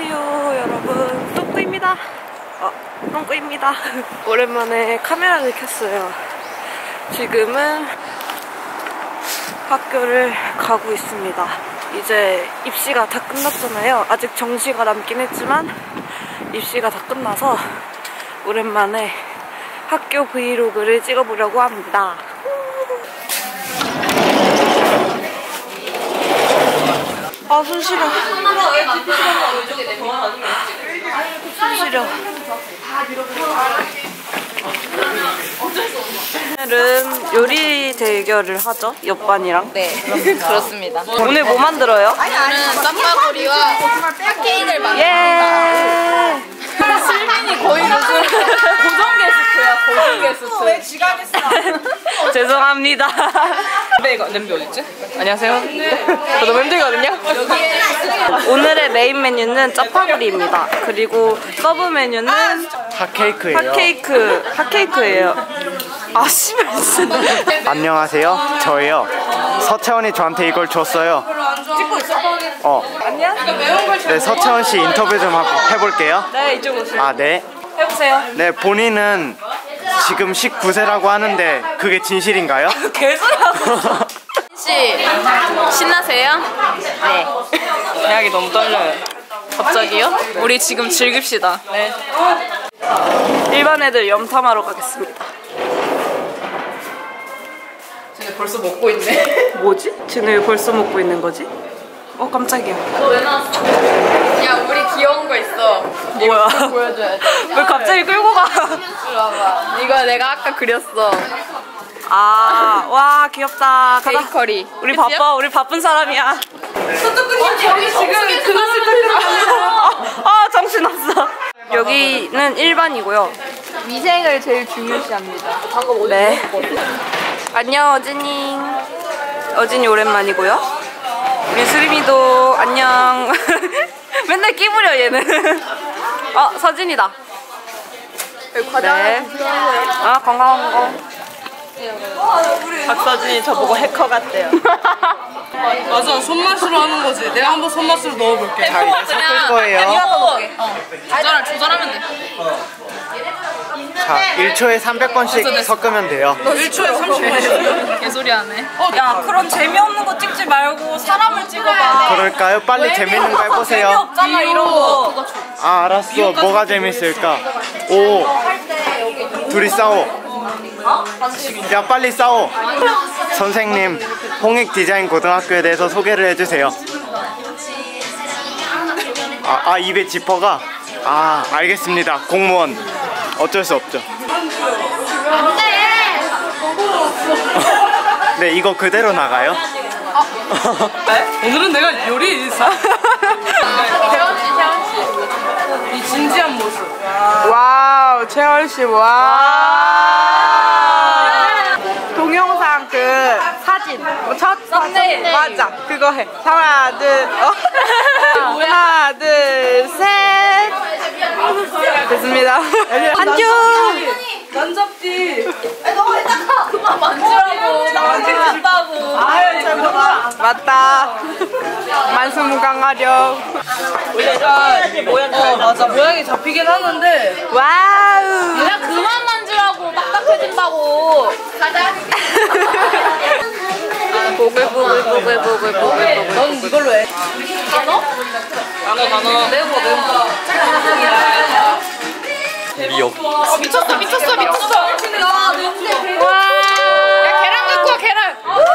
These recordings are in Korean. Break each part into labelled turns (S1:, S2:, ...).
S1: 안녕하세요 여러분, 똥꾸입니다. 똥꾸입니다. 오랜만에 카메라를 켰어요. 지금은 학교를 가고 있습니다. 이제 입시가 다 끝났잖아요. 아직 정시가 남긴 했지만 입시가 다 끝나서 오랜만에 학교 브이로그를 찍어보려고 합니다. 아, 손 시려. 손 시려. 오늘은 요리 대결을 하죠, 옆반이랑.
S2: 네, 그렇습니다.
S1: 오늘 뭐 만들어요?
S2: 오늘은 쌈바구리와 핫케이크를 만듭니다.
S1: 예!
S2: 실민이 거의 무슨 고정 게스트야, 고정 게스트. 왜 지각했어?
S1: 죄송합니다.
S2: 냄비 어딨지?
S1: 안녕하세요. 저도 멤들거든요. 오늘의 메인 메뉴는 짜파구리입니다. 그리고 서브 메뉴는
S3: 핫케이크예요.
S1: 핫케이크예요. 아, 씨발.
S3: 안녕하세요. 저예요. 서채원이 저한테 이걸 줬어요.
S1: 찍고 있어? 안녕?
S3: 네, 서채원 씨 인터뷰 좀 해볼게요.
S1: 네, 이쪽으로 오세요.
S3: 아, 네.
S1: 해보세요.
S3: 네, 본인은 지금 19세라고 하는데 그게 진실인가요?
S1: 개소리하고.
S2: 씨, 신나세요? 네.
S1: 대학이 너무 떨려요.
S2: 갑자기요? 우리 지금 즐깁시다.
S1: 네. 일반 애들 염탐하러 가겠습니다.
S2: 쟤네 벌써 먹고 있네.
S1: 뭐지? 쟤네 왜 벌써 먹고 있는 거지? 깜짝이야.
S2: 너 왜 나왔어? 야, 우리 귀여운 거 있어.
S1: 뭐야?
S2: 보여줘야 돼.
S1: 왜 갑자기 끌고 가?
S2: 이리 와봐. 이거 내가 아까 그렸어.
S1: 아, 와, 귀엽다. 가자.
S2: 베이커리.
S1: 우리
S2: 그치요?
S1: 바빠. 우리 바쁜 사람이야.
S2: 서쪽근님 여기 지금 그것을
S1: 정신없어. 여기는 일반이고요.
S2: 위생을 제일 중요시합니다.
S1: 네. 안녕, 어진이. 어진이 오랜만이고요. 우리 수림이도 안녕. 맨날 끼부려, 얘는. 서진이다. 네. 건강한 거.
S4: 박서진이 저보고 해커 같대요. 맞아, 손맛으로 하는 거지. 내가 한번 손맛으로 넣어볼게.
S3: 자, 이제 섞을 거예요.
S2: 조절하면 돼.
S3: 자, 1초에 300번씩 섞으면 돼요.
S4: 1초에 30번.
S2: 개소리 하네.
S1: 야, 그런 재미없는 거 찍지 말고 사람을 찍어봐.
S3: 그럴까요? 빨리 재밌는 거 해보세요.
S1: 재미없잖아, 이런 거.
S3: 아, 알았어. 뭐가 재밌을까? 오, 둘이 싸워. 야, 빨리 싸워. 선생님, 홍익 디자인 고등학교에 대해서 소개를 해주세요. 입에 지퍼가. 알겠습니다. 공무원 어쩔 수 없죠. 네, 이거 그대로 나가요?
S4: 오늘은 내가 요리 이 진지한 모습.
S1: 와우, 채월씨, 동영상 그 사진 첫 사진 맞아, 그거 해. 하나 둘 셋 됐습니다. 안녕.
S4: 만잡지.
S2: 그만 만지라고. 나 만지고 싶다고.
S4: 아유, 잘 먹어.
S1: 맞다. 만수무강하렴.
S4: 맞아, 모양이 잡히긴 하는데.
S1: 와우.
S2: 그냥 그만 만지라고. 딱딱해진다고. 가자.
S1: 보글보글.
S4: 넌 이걸로 해.
S2: 단어?
S4: 단어.
S2: 매운 거.
S3: 미역.
S2: 미쳤어. 야, 냄새.
S1: 와.
S2: 야, 계란 갖고 와, 계란.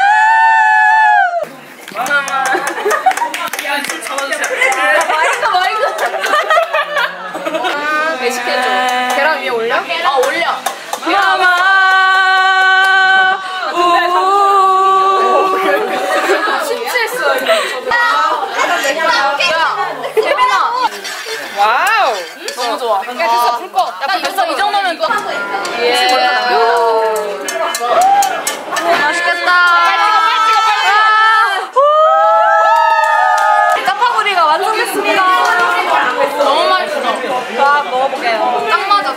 S2: 매식해줘. 계란 위에 올려? 올려.
S1: 마마.
S2: 심취했어. 재민아.
S1: 와우.
S2: 너무 좋아. 야, 됐어, 불 꺼. 야, 됐어, 이 정도면 또. 예.
S1: 맛있겠다. 짜파구리가 완성됐습니다.
S2: 너무 맛있어.
S1: 자, 먹어볼게요.
S2: 딱 맞아.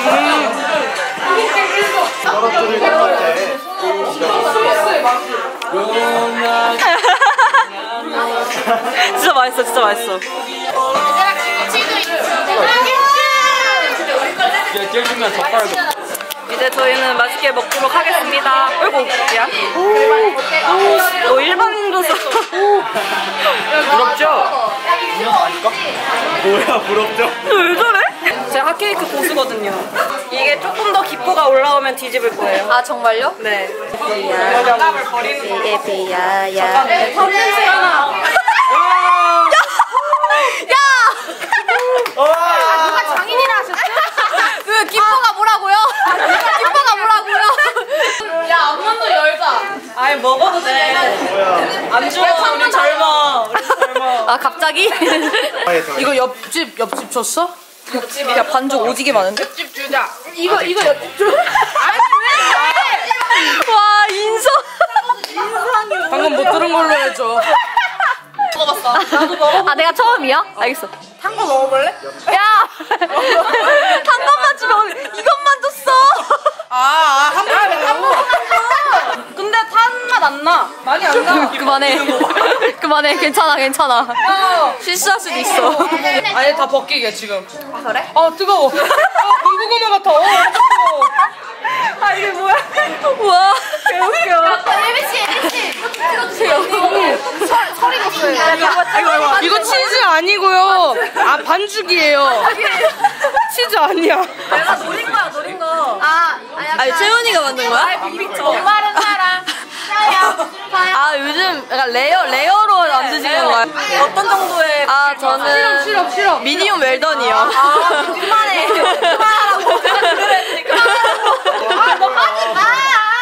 S3: 떨어뜨릴 것 같아.
S1: 진짜 맛있어, 진짜 맛있어. 이제 저희는 맛있게 먹도록 하겠습니다. 어이구, 야. 오, 일반인도서.
S3: 부럽죠? 뭐야 부럽죠?
S1: 왜 저래? 제가 핫케이크 고수거든요. 이게 조금 더 기포가 올라오면 뒤집을 거예요.
S2: 아 정말요?
S1: 네.
S2: 장갑을 버리는 거. 비야야.
S1: 냄새 하나.
S2: 누가 장인이라 하셨죠? 그 기뻐가 뭐라고요? 기뻐가 뭐라고요? 야 앞문도 열자.
S1: 아니 먹어도 돼. 안 좋아. 우리 젊어. 우리 젊어.
S2: 아 갑자기?
S4: 이거 옆집 줬어?
S1: 옆집이야. 반죽 오지게 많은데?
S4: 옆집 주자.
S2: 이거 옆집 줘. 아니 왜? 와 인성.
S4: 방금 못 들은 걸로 해줘.
S2: 먹어봤어. 나도 먹어. 아 내가 처음이야? 알겠어.
S1: 탄 거 먹어볼래?
S2: 야! 단 것만 주면 이것만 줬어!
S1: 한 번에 근데 탄 맛 안 나. 많이 안 나.
S2: 그만해. 그만해. 괜찮아, 괜찮아. 실수할 수도 있어.
S4: 아니 다 벗기게 지금.
S2: 아, 그래?
S4: 뜨거워. 군고구마 같아. 뜨거워.
S1: 아, 이게 뭐야?
S2: 우와.
S1: 개웃겨.
S2: 예비씨! 틀어주세요. 설 익었어요.
S4: 이거 치즈 아니고요. 아 반죽이에요. 치즈 아니야.
S1: 내가 노린 거야, 노린 거.
S2: 아니, 채훈이가 만든 거야?
S1: 정말은 사랑.
S2: 아, 요즘 약간 레어로 만드시는 거야?
S1: 어떤 정도의.
S2: 아, 저는.
S4: 싫어.
S2: 미니멈 웰던이요.
S1: 그만해. 그만하라고. 그만하라고. 너 하지 마.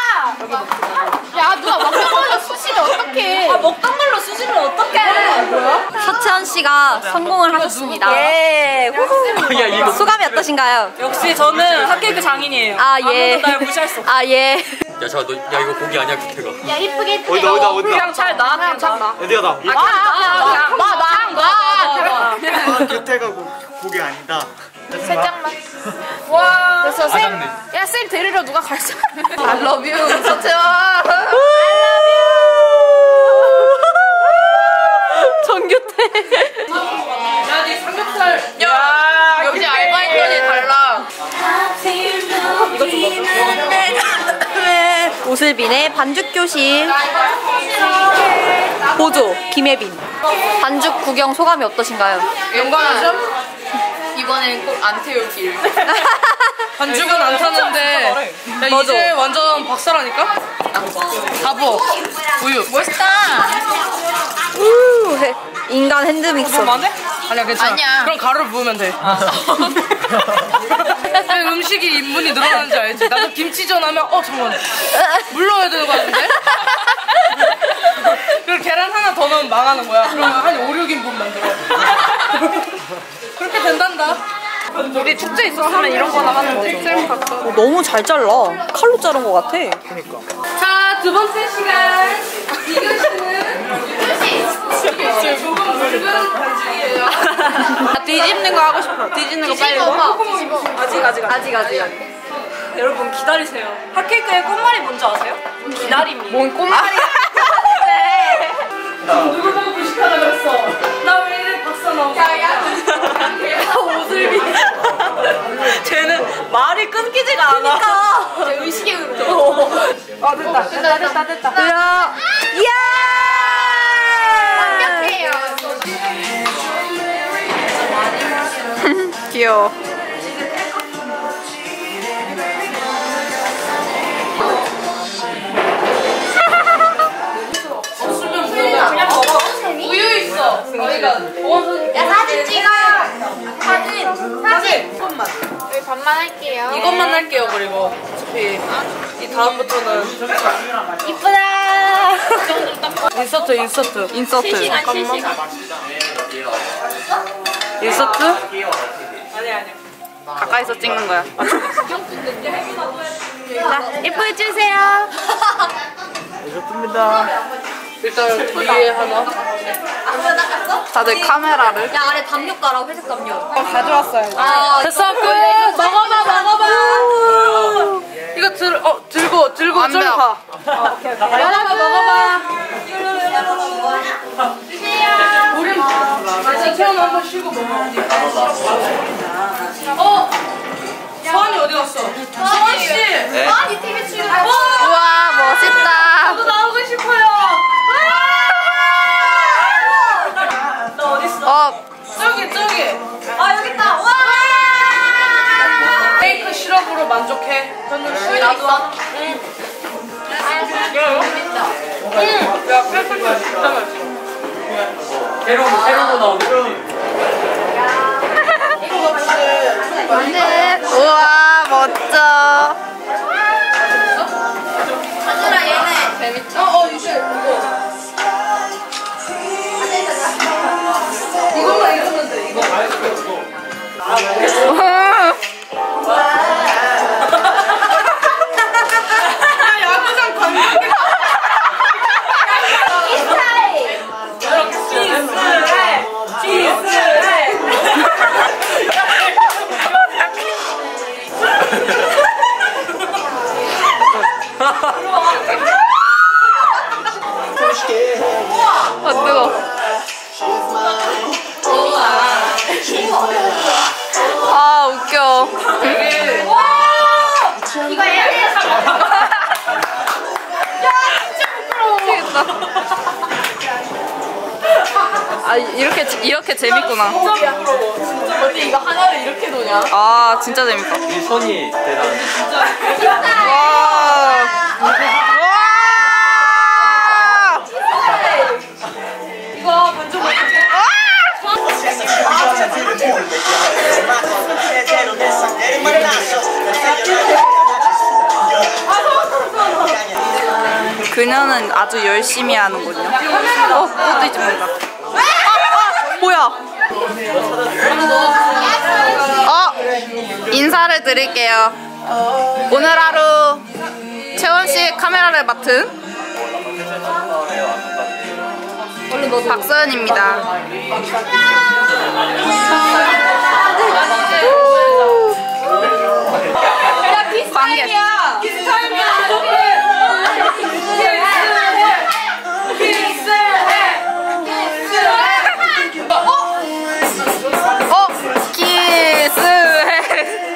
S2: 야, 누가 먹던 걸로 쑤시면 어떡해.
S1: 먹던 걸로 쑤시면 어떡해. 뭐야?
S2: 서채원 씨가 성공을 하셨습니다.
S1: 예.
S3: 야 이거
S2: 소감이 어떠신가요?
S1: 역시 저는 핫케이크 장인이에요.
S2: 아, 예.
S1: 아무도 날 무시할 수 없어.
S2: 아, 예.
S5: 야 잠깐 야 이거 고기 아니야 규태가.
S2: 야, 이쁘게
S3: 어디다
S1: 그냥 잘 나, 그냥 잘 나.
S3: 어디가 나?
S1: 나.
S3: 곁에가 고기 아니다.
S2: 살짝만.
S1: 와.
S2: 그래서 쌤,
S5: 아작네.
S2: 야, 쌤 데리러 누가 갈지. I love you, 서채원. 정규태.
S4: 야니 삼겹살.
S1: 야,
S4: 역시 알바인들이 달라.
S1: 이거 좀 넣어줘.
S2: 오슬빈의 반죽교실. 보조, 김혜빈. 반죽 구경 소감이 어떠신가요?
S4: 영광하죠?
S2: 이번엔 꼭 안 태울길.
S4: 반죽은 안 타는데 야, 이제 완전 박사라니까? 바보 우유
S2: 멋있다. 인간 핸드믹서.
S4: 그만해? 아니야 괜찮아
S2: 아니야.
S4: 그럼 가루를 부으면 돼 왜 음식이 인분이 늘어나는지 알지? 나도 김치전 하면 잠깐만 물 넣어야 되는 거 같은데? 그리고 계란 하나 더 넣으면 망하는 거야 그러면 한 5, 6인분 만들어 그렇게 된단다
S1: 우리 축제 있었으면 이런 거나 하는 거죠.
S2: 너무 잘 잘라. 칼로 자른 것 같아.
S4: 자, 두 번째 시간 이것은 조금 묽은 반죽이에요
S1: 뒤집는 거 하고 싶어. 뒤집는 거 빨리. 아직. 여러분 기다리세요. 핫케이크의 꽃말이 뭔지 아세요? 기다림이. 뭔 꽃말이야?
S4: 누구 보고 무식하다 그랬어 나 왜 이래 박사 나오고
S1: 오슬비. 쟤는 말이 끊기지가 않아.
S2: 그러니까. 의식의 흐름. 됐다.
S1: 야.
S2: 완벽해요.
S1: 귀여워.
S4: 우유 있어 저희가 보원선
S2: 야 사진 찍어. 사진.
S4: 이것만
S2: 우리 반만 할게요.
S4: 이것만 할게요 그리고 어차피 이 다음부터는
S2: 이쁘다.
S4: 인서트
S2: 실시간.
S1: 인서트? 아니. 가까이서 찍는 거야.
S2: 자, 예쁘게 찍으세요.
S3: 좋습니다.
S4: 일단 위에 하나
S1: 다들 카메라를.
S2: 야 아래 담요 깔아. 회색 담요.
S1: 가져왔어요.
S2: 아
S4: 됐어 끝 먹어봐 이거 들고 좀 가.
S1: 먹어봐.
S4: 한번 쉬고 먹어. 서원이 어디 갔어? 서원 씨.
S5: 네?
S2: 아니 TV 출연.
S1: 우와 멋있다.
S4: 저도 나오고 싶어요. 너 어디 있어? 저기.
S2: 아 여기 있다. 와.
S4: 케이크 시럽으로 만족해. 저는 나도. 응. 야, 케이크 진짜 맛있어.
S5: 새로운 거 나오네.
S1: 우와 멋져.
S2: 하늘아 얘네 재밌죠?
S4: 이제 이거만 읽으면 돼. 이거. 야구장 관광객.
S1: 아 웃겨.
S2: 이거 얘네
S1: 아 이렇게 재밌구나.
S4: 어디 이거 하나를 이렇게 놓냐?
S1: 아 진짜 재밌다.
S5: 이 손이 대단해.
S1: 와.
S4: 이거 먼저 먹을게.
S1: 그녀는 아주 열심히 하는군요. 그것도 잊지 말라. 뭐야? 인사를 드릴게요. 오늘 하루 채원 씨 카메라를 맡은 박서연입니다. 관객. 키스해.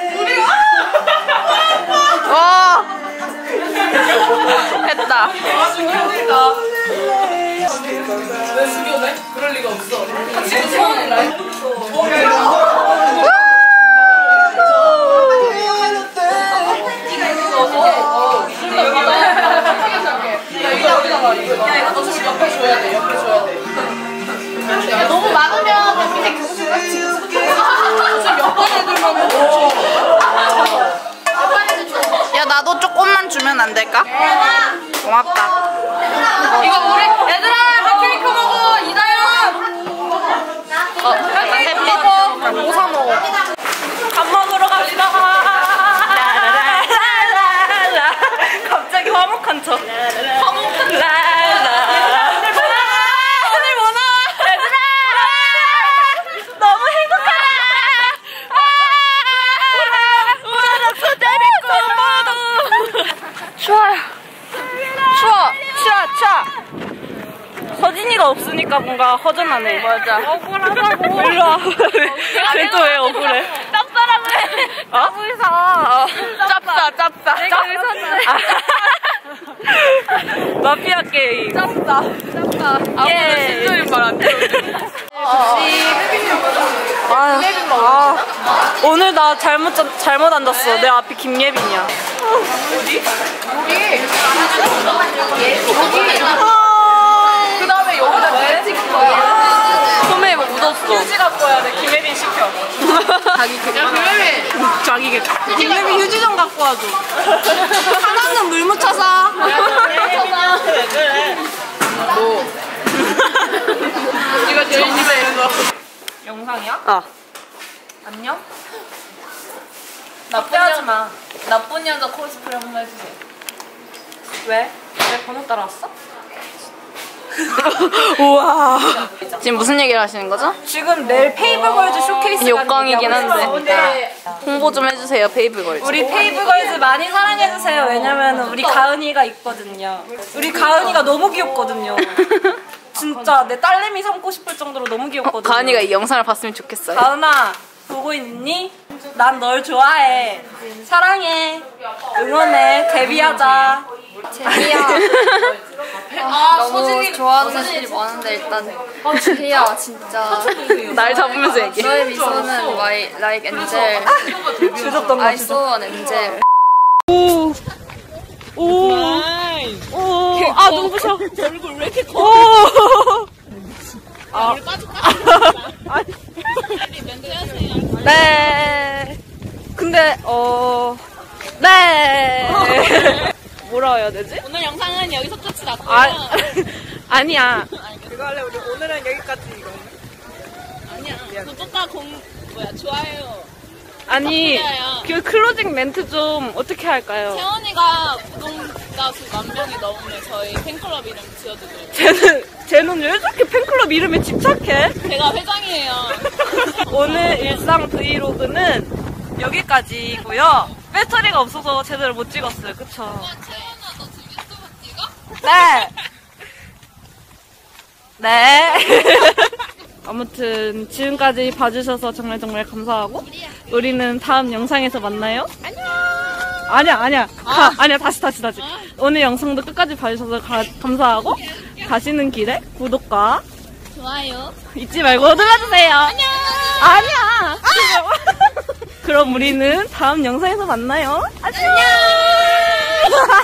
S1: 했다.
S4: 왜 숙여내? 그럴 리가 없어. 지금 서원이 라이브. 옆에 줘야 돼. 야, 너무 많으면 밑에 교실 같이 몇번 애들만 먹어.
S1: 야 나도 조금만 주면 안 될까? 고맙다.
S4: 이거 우리 얘들아 한 케이크 먹어. 이다연. 한 케이크 먹어.
S1: 뭐 사 먹어? 밥 먹으러 갑시다. 라라라라라. 갑자기 화목한 척. 화목한 라라. 오늘 뭐 나와? 얘들아. 너무 행복하다. 우와 소대리 꼬. 추워요. 추워. 서진이가 없으니까 뭔가 허전하네. 맞아. 억울하다고. 일로 와. 쟤 또 왜 억울해? 짭짤하고 해. 어? 짭다. 내가 의사인데. 마피아 게임. 짭다. 아무도 신조인 말 안 들어. 오늘 나 잘못 앉았어. 내 앞이 김예빈이야.
S4: 그 다음에 여기다 왜 찍은 거야?
S1: 소매에 뭐 묻었어.
S4: 휴지 갖고 와야 돼. 김혜빈 시켜.
S1: 자기 개.
S4: 야 김혜빈.
S1: 자기 개. 김예빈 휴지 좀 갖고 와줘. 하나는 물 묻혀서.
S4: 뭐? 이거 제일 집에 있는 거. 영상이야? 안녕? 나쁜 여자 코스프레 한번 해주세요. 왜? 왜 번호 따라왔어?
S1: 우와. 지금 무슨 얘기를 하시는 거죠?
S4: 지금 내일 페이블걸즈 쇼케이스가
S1: 욕광이긴 한데 홍보 좀 해주세요. 페이블걸즈.
S6: 우리 페이블걸즈 많이 사랑해주세요. 왜냐면 우리 가은이가 있거든요. 우리 가은이가 너무 귀엽거든요.
S1: 진짜 내 딸내미 삼고 싶을 정도로 너무 귀엽거든.
S2: 가은이가 이 영상을 봤으면 좋겠어요.
S1: 가은아, 보고 있니? 난 널 좋아해. 사랑해. 응원해. 데뷔하자.
S6: 제이야. 너무 좋아하는 애들이 많은데 일단 제이야 진짜
S2: 날 잡으면서 얘기해.
S6: 너의 미소는 like angel.
S1: 주셨던 거
S6: I saw an angel.
S1: 아, 눈부셔. 얼굴 왜 이렇게 커? 아, 네. 근데, 네. 뭐라 해야 되지?
S2: 오늘 영상은 여기서 끝이 났고요.
S1: 아니야.
S4: 그거 할래 우리 오늘은 여기까지 이거.
S2: 아니야. 구독과 좋아요.
S1: 아니,
S2: 부탁드려요.
S1: 그 클로징 멘트 좀 어떻게 할까요?
S2: 태원이가 구독자 수 10,000명이 넘으면 저희 팬클럽 이름 지어드려요.
S1: 쟤는 왜 저렇게 팬클럽 이름에 집착해?
S2: 제가 회장이에요.
S1: 오늘 일상 브이로그는 여기까지고요. 배터리가 없어서 제대로 못 찍었어요. 그쵸?
S2: 태원아, 너 지금 유튜브 찍어?
S1: 네. 네. 아무튼 지금까지 봐주셔서 정말 감사하고 우리는 다음 영상에서 만나요. 안녕. 아니야. 아니야. 다시. 오늘 영상도 끝까지 봐주셔서 감사하고 가시는 길에 구독과
S2: 좋아요.
S1: 잊지 말고 눌러주세요. 아니야. 그럼 우리는 다음 영상에서 만나요. 안녕.